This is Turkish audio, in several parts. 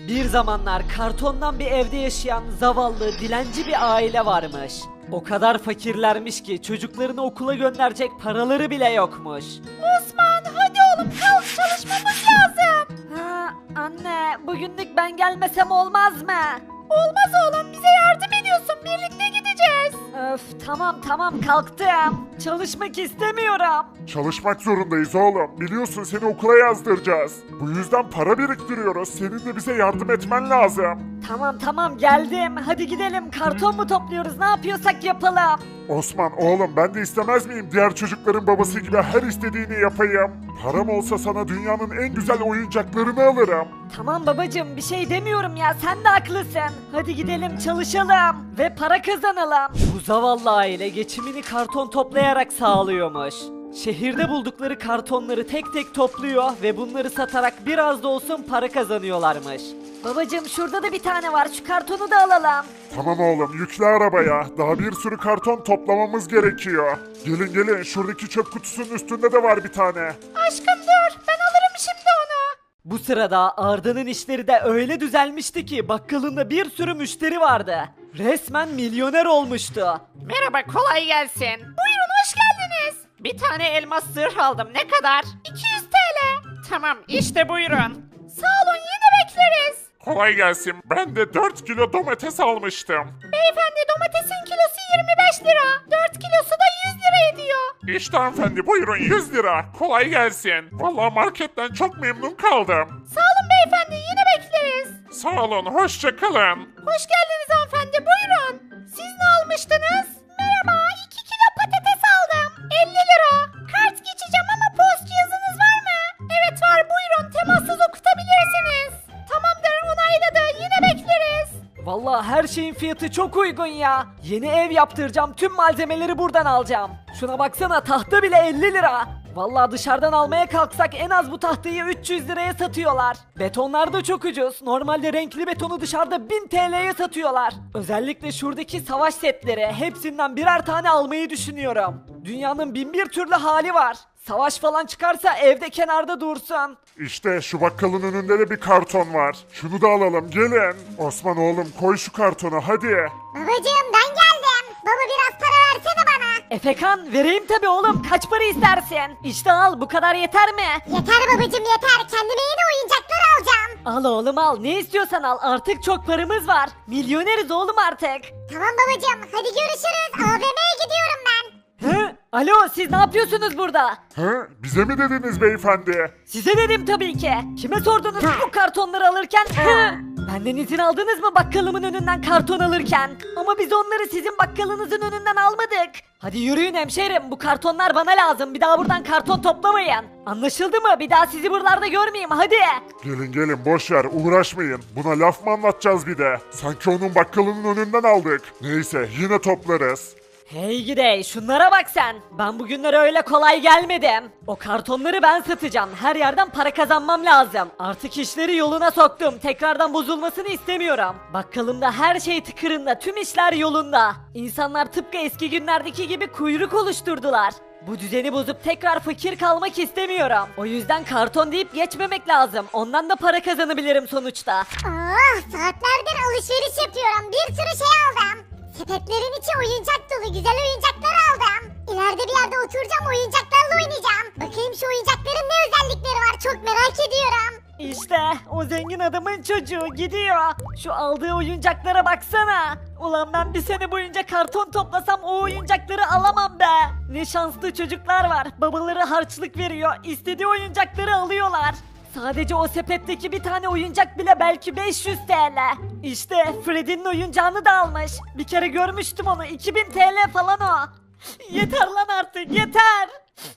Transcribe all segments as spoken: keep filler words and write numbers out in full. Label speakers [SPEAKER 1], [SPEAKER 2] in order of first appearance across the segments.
[SPEAKER 1] Bir zamanlar kartondan bir evde yaşayan zavallı, dilenci bir aile varmış. O kadar fakirlermiş ki çocuklarını okula gönderecek paraları bile yokmuş.
[SPEAKER 2] Osman hadi oğlum kalk çalışmamız lazım.
[SPEAKER 1] Ha, anne, bugünlük ben gelmesem olmaz mı?
[SPEAKER 2] Olmaz oğlum bize yardım ediyorsun birlikte gideceğiz.
[SPEAKER 1] Öf, tamam tamam kalktım. Çalışmak istemiyorum.
[SPEAKER 3] Çalışmak zorundayız oğlum. Biliyorsun seni okula yazdıracağız. Bu yüzden para biriktiriyoruz. Senin de bize yardım etmen lazım.
[SPEAKER 1] Tamam tamam geldim. Hadi gidelim. Karton mu topluyoruz? Ne yapıyorsak yapalım.
[SPEAKER 3] Osman oğlum ben de istemez miyim diğer çocukların babası gibi her istediğini yapayım. Param olsa sana dünyanın en güzel oyuncaklarını alırım.
[SPEAKER 1] Tamam babacığım bir şey demiyorum ya. Sen de haklısın. Hadi gidelim çalışalım. Ve para kazanalım. Bu zavallı aile geçimini karton toplayarak sağlıyormuş. Şehirde buldukları kartonları tek tek topluyor ve bunları satarak biraz da olsun para kazanıyorlarmış. Babacığım şurada da bir tane var. Şu kartonu da alalım.
[SPEAKER 3] Tamam oğlum yükle arabaya. Daha bir sürü karton toplamamız gerekiyor. Gelin gelin şuradaki çöp kutusunun üstünde de var bir tane.
[SPEAKER 2] Aşkım dur ben alırım şimdi onu.
[SPEAKER 1] Bu sırada Arda'nın işleri de öyle düzelmişti ki bakkalında bir sürü müşteri vardı. Resmen milyoner olmuştu.
[SPEAKER 2] Merhaba kolay gelsin. Buyurun hoş geldiniz. Bir tane elmas zırh aldım ne kadar? iki yüz T L. Tamam işte buyurun. Sağ olun yine bekleriz.
[SPEAKER 3] Kolay gelsin. Ben de dört kilo domates almıştım.
[SPEAKER 2] Beyefendi domatesin kilosu yirmi beş lira. dört kilosu da yüz lira ediyor.
[SPEAKER 3] İşte hanımefendi buyurun yüz lira. Kolay gelsin. Vallahi marketten çok memnun kaldım.
[SPEAKER 2] Sağ olun beyefendi yine bekleriz.
[SPEAKER 3] Sağ olun hoşça kalın.
[SPEAKER 2] Hoş geldiniz hanımefendi buyurun. Siz ne almıştınız? Merhaba iki kilo patates aldım. elli lira. Kart geçeceğim ama post cihazınız var mı? Evet var buyurun temassız okutabilirsiniz. Tamamdır onayladı yine bekleriz.
[SPEAKER 1] Vallahi her şeyin fiyatı çok uygun ya. Yeni ev yaptıracağım. Tüm malzemeleri buradan alacağım. Şuna baksana tahta bile elli lira. Vallahi dışarıdan almaya kalksak en az bu tahtayı üç yüz liraya satıyorlar. Betonlar da çok ucuz. Normalde renkli betonu dışarıda bin T L'ye satıyorlar. Özellikle şuradaki savaş setleri hepsinden birer tane almayı düşünüyorum. Dünyanın bin bir türlü hali var. Savaş falan çıkarsa evde kenarda dursun.
[SPEAKER 3] İşte şu bakkalın önünde de bir karton var. Şunu da alalım gelin. Osman oğlum koy şu kartonu hadi.
[SPEAKER 4] Babacığım ben geldim. Baba biraz para versene bana.
[SPEAKER 1] Efekan vereyim tabi oğlum kaç para istersin? İşte al bu kadar yeter mi?
[SPEAKER 4] Yeter babacığım yeter. Kendime yeni oyuncaklar alacağım.
[SPEAKER 1] Al oğlum al ne istiyorsan al artık çok paramız var. Milyoneriz oğlum artık.
[SPEAKER 4] Tamam babacığım hadi görüşürüz. A V M'ye gidiyorum ben.
[SPEAKER 1] Hı? Alo siz ne yapıyorsunuz burada?
[SPEAKER 3] Hı? Bize mi dediniz beyefendi?
[SPEAKER 1] Size dedim tabii ki. Kime sordunuz bu kartonları alırken? Hı? Benden izin aldınız mı bakkalımın önünden karton alırken? Ama biz onları sizin bakkalınızın önünden almadık. Hadi yürüyün hemşerim bu kartonlar bana lazım. Bir daha buradan karton toplamayın. Anlaşıldı mı? Bir daha sizi buralarda görmeyeyim hadi.
[SPEAKER 3] Gelin gelin boş ver uğraşmayın. Buna laf mı anlatacağız bir de? Sanki onun bakkalının önünden aldık. Neyse yine toplarız.
[SPEAKER 1] Hey gidey şunlara bak sen. Ben bugünlere öyle kolay gelmedim. O kartonları ben satacağım. Her yerden para kazanmam lazım. Artık işleri yoluna soktum. Tekrardan bozulmasını istemiyorum. Bakkalımda her şey tıkırında. Tüm işler yolunda. İnsanlar tıpkı eski günlerdeki gibi kuyruk oluşturdular. Bu düzeni bozup tekrar fakir kalmak istemiyorum. O yüzden karton deyip geçmemek lazım. Ondan da para kazanabilirim sonuçta.
[SPEAKER 4] Oh saatlerdir alışveriş yapıyorum. Bir sürü şey aldım. Sepetlerin içi oyuncak dolu güzel oyuncaklar aldım. İleride bir yerde oturacağım oyuncaklarla oynayacağım. Bakayım şu oyuncakların ne özellikleri var çok merak ediyorum.
[SPEAKER 1] İşte o zengin adamın çocuğu gidiyor. Şu aldığı oyuncaklara baksana. Ulan ben bir sene boyunca karton toplasam o oyuncakları alamam be. Ne şanslı çocuklar var. Babaları harçlık veriyor. İstediği oyuncakları alıyorlar. Sadece o sepetteki bir tane oyuncak bile belki beş yüz T L. İşte Freddy'nin oyuncağını da almış. Bir kere görmüştüm onu. iki bin T L falan o. Yeter lan artık yeter.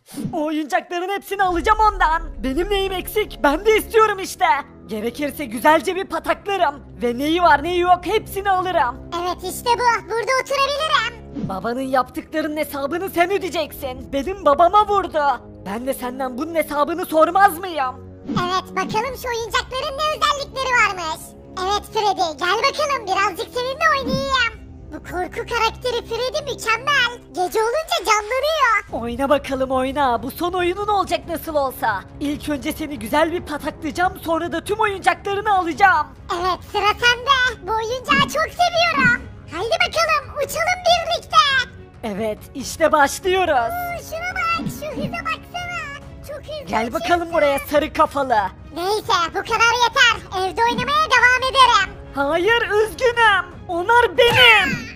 [SPEAKER 1] O oyuncakların hepsini alacağım ondan. Benim neyim eksik? Ben de istiyorum işte. Gerekirse güzelce bir pataklarım. Ve neyi var neyi yok hepsini alırım.
[SPEAKER 4] Evet işte bu burada oturabilirim.
[SPEAKER 1] Babanın yaptıklarının hesabını sen ödeyeceksin. Benim babama vurdu. Ben de senden bunun hesabını sormaz mıyım?
[SPEAKER 4] Evet bakalım şu oyuncakların ne özellikleri varmış. Evet Freddy gel bakalım birazcık seninle oynayayım. Bu korku karakteri Freddy mükemmel. Gece olunca canlanıyor.
[SPEAKER 1] Oyna bakalım oyna. Bu son oyunun olacak nasıl olsa. İlk önce seni güzel bir pataklayacağım, sonra da tüm oyuncaklarını alacağım.
[SPEAKER 4] Evet sıra sende. Bu oyuncağı çok seviyorum. Haydi bakalım uçalım birlikte.
[SPEAKER 1] Evet, işte başlıyoruz.
[SPEAKER 4] Oo, şuna bak şu hıza baksana. Çok hızlı
[SPEAKER 1] Gel
[SPEAKER 4] uçuyorsun.
[SPEAKER 1] bakalım buraya sarı kafalı.
[SPEAKER 4] Neyse bu kadar yeter. Evde oynamaya devam ederim.
[SPEAKER 1] Hayır, üzgünüm. Onlar benim.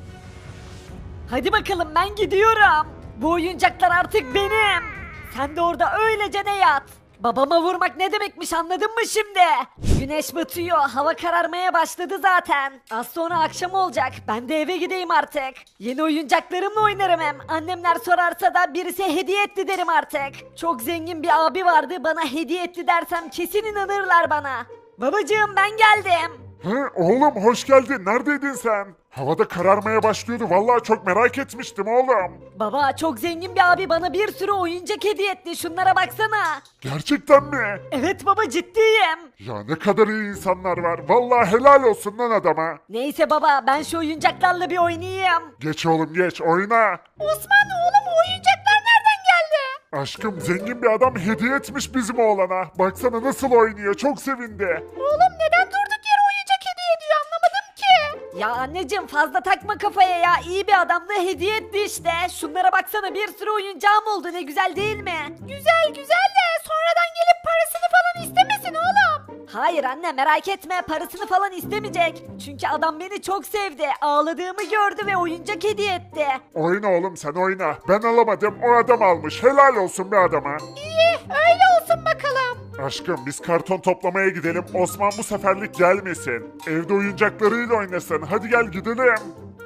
[SPEAKER 1] Hadi bakalım, ben gidiyorum. Bu oyuncaklar artık benim. Sen de orada öylece ne yat. Babama vurmak ne demekmiş, anladın mı şimdi? Güneş batıyor, hava kararmaya başladı zaten. Az sonra akşam olacak, ben de eve gideyim artık. Yeni oyuncaklarımla oynarım hem. Annemler sorarsa da birisi hediye etti derim artık. Çok zengin bir abi vardı, bana hediye etti dersem kesin inanırlar bana. Babacığım, ben geldim.
[SPEAKER 3] Hı, oğlum hoş geldin. Neredeydin sen? Havada kararmaya başlıyordu. Vallahi çok merak etmiştim oğlum.
[SPEAKER 1] Baba, çok zengin bir abi bana bir sürü oyuncak hediye etti, şunlara baksana.
[SPEAKER 3] Gerçekten mi?
[SPEAKER 1] Evet baba, ciddiyim.
[SPEAKER 3] Ya ne kadar iyi insanlar var. Vallahi helal olsun lan adama.
[SPEAKER 1] Neyse baba, ben şu oyuncaklarla bir oynayayım.
[SPEAKER 3] Geç oğlum geç oyna.
[SPEAKER 2] Osman oğlum o oyuncaklar nereden geldi?
[SPEAKER 3] Aşkım zengin bir adam hediye etmiş bizim oğlana. Baksana nasıl oynuyor. Çok sevindi.
[SPEAKER 2] Oğlum neden durduk yere oyuncak hediye ediyor anlamadım ki.
[SPEAKER 1] Ya anneciğim, fazla takma kafaya ya, iyi bir adamdı, hediye etti işte. Şunlara baksana, bir sürü oyuncağım oldu, ne güzel değil mi?
[SPEAKER 2] Güzel güzel de sonradan gelip parasını falan istemesin oğlum.
[SPEAKER 1] Hayır anne, merak etme, parasını falan istemeyecek. Çünkü adam beni çok sevdi, ağladığımı gördü ve oyuncak hediye etti.
[SPEAKER 3] Oyna oğlum sen oyna. Ben alamadım o adam almış. Helal olsun be adama.
[SPEAKER 2] İyi öyle olsun bakalım.
[SPEAKER 3] Aşkım biz karton toplamaya gidelim. Osman bu seferlik gelmesin. Evde oyuncaklarıyla oynasın. Hadi gel gidelim.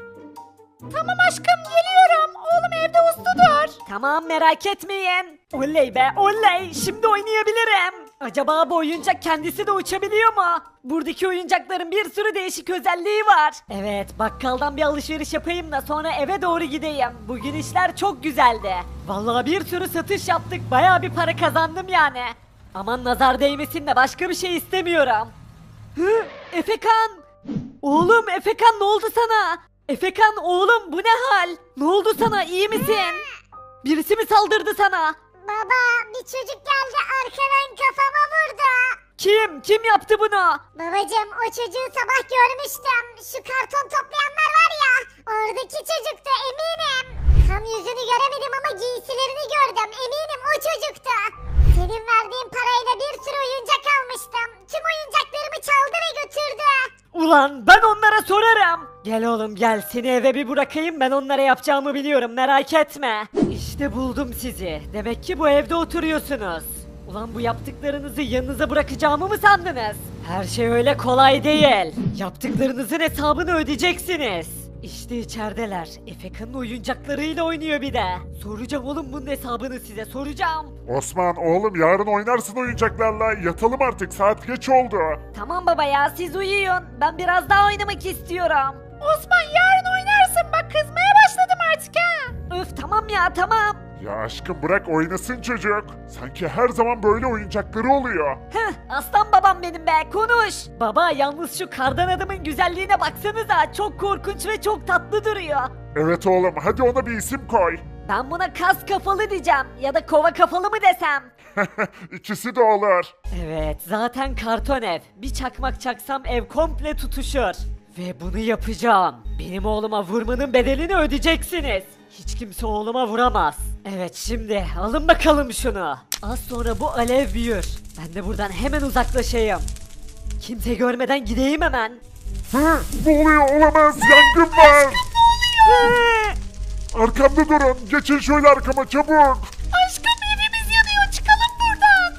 [SPEAKER 2] Tamam aşkım geliyorum. Oğlum evde usludur.
[SPEAKER 1] Tamam, merak etmeyin. Oley be oley, şimdi oynayabilirim. Acaba bu oyuncak kendisi de uçabiliyor mu? Buradaki oyuncakların bir sürü değişik özelliği var. Evet, bakkaldan bir alışveriş yapayım da sonra eve doğru gideyim. Bugün işler çok güzeldi. Vallahi bir sürü satış yaptık, bayağı bir para kazandım yani. Aman nazar değmesin de başka bir şey istemiyorum. Hı, Efekan! Oğlum Efekan, ne oldu sana? Efekan oğlum, bu ne hal? Ne oldu sana, iyi misin? Birisi mi saldırdı sana?
[SPEAKER 4] Baba bir çocuk geldi arkadan kafama vurdu.
[SPEAKER 1] Kim? Kim yaptı bunu?
[SPEAKER 4] Babacım o çocuğu sabah görmüştüm. Şu karton toplayanlar var ya. Oradaki çocuktu eminim. Tam yüzünü göremedim ama giysilerini gördüm. Eminim o çocuktu. Senin verdiğin parayla bir sürü oyuncak almıştım. Tüm oyuncaklarımı çaldı ve götürdü.
[SPEAKER 1] Ulan ben onlara sorarım. Gel oğlum gel, seni eve bir bırakayım, ben onlara yapacağımı biliyorum, merak etme. İşte buldum sizi. Demek ki bu evde oturuyorsunuz. Ulan bu yaptıklarınızı yanınıza bırakacağımı mı sandınız? Her şey öyle kolay değil. Yaptıklarınızın hesabını ödeyeceksiniz. İşte içerideler. Efekan'ın oyuncaklarıyla oynuyor bir de. Soracağım oğlum bunun hesabını size, soracağım.
[SPEAKER 3] Osman oğlum yarın oynarsın oyuncaklarla. Yatalım artık saat geç oldu.
[SPEAKER 1] Tamam baba ya, siz uyuyun. Ben biraz daha oynamak istiyorum.
[SPEAKER 2] Osman yarın oynarsın bak kızmaya başladım artık ha.
[SPEAKER 1] Öf tamam ya, tamam.
[SPEAKER 3] Ya aşkım bırak oynasın çocuk. Sanki her zaman böyle oyuncakları oluyor.
[SPEAKER 1] Heh, aslan babam benim be, konuş. Baba yalnız şu kardan adamın güzelliğine baksanıza, çok korkunç ve çok tatlı duruyor.
[SPEAKER 3] Evet oğlum hadi ona bir isim koy.
[SPEAKER 1] Ben buna kas kafalı diyeceğim ya da kova kafalı mı desem?
[SPEAKER 3] İkisi de olur.
[SPEAKER 1] Evet, zaten karton ev. Bir çakmak çaksam ev komple tutuşur. Ve bunu yapacağım. Benim oğluma vurmanın bedelini ödeyeceksiniz. Hiç kimse oğluma vuramaz. Evet, şimdi alın bakalım şunu. Az sonra bu alev büyür. Ben de buradan hemen uzaklaşayım. Kimse görmeden gideyim hemen.
[SPEAKER 3] Hı, ne oluyor olamaz yangın var.
[SPEAKER 1] Hı!
[SPEAKER 3] Arkamda durun geçin şöyle arkama çabuk.
[SPEAKER 2] Aşkım evimiz yanıyor çıkalım buradan.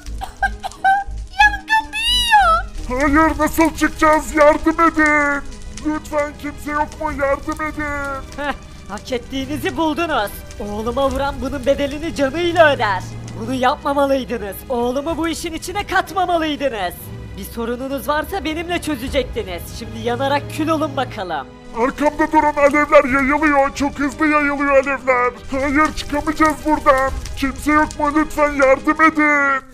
[SPEAKER 2] Yangın büyüyor.
[SPEAKER 3] Hayır nasıl çıkacağız yardım edin. Lütfen kimse yok mu yardım edin.
[SPEAKER 1] Heh, hak ettiğinizi buldunuz. Oğluma vuran bunun bedelini canıyla öder. Bunu yapmamalıydınız. Oğlumu bu işin içine katmamalıydınız. Bir sorununuz varsa benimle çözecektiniz. Şimdi yanarak kül olun bakalım.
[SPEAKER 3] Arkamda durun alevler yayılıyor. Çok hızlı yayılıyor alevler. Hayır çıkamayacağız buradan. Kimse yok mu lütfen yardım edin.